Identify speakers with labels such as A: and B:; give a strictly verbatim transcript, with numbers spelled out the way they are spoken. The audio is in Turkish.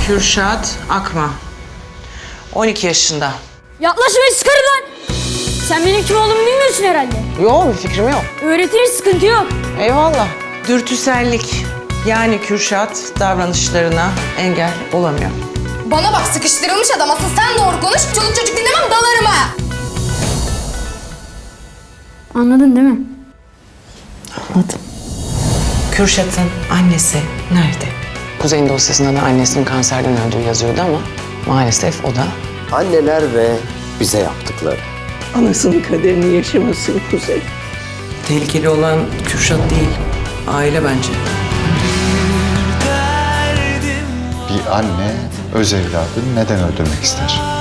A: Kürşat Akma. on iki yaşında.
B: Yaklaşmayı sıkarım lan. Sen benim kim olduğumu bilmiyorsun herhalde.
A: Yok, bir fikrim yok.
B: Öğretiriz, sıkıntı yok.
A: Eyvallah. Dürtüsellik. Yani Kürşat davranışlarına engel olamıyor.
C: Bana bak, sıkıştırılmış adam. Asıl sen doğru konuş. Çoluk çocuk dinlemem, dalarım ha.
B: Anladın değil mi?
A: Anladım. Kürşat'ın annesi nerede? Kuzey'in dosyasında da annesinin kanserden öldüğü yazıyordu ama maalesef o da...
D: Anneler ve bize yaptıkları.
E: Anasının kaderini yaşamasın Kuzey.
A: Tehlikeli olan Kürşat değil, aile bence.
F: Bir anne öz evladını neden öldürmek ister?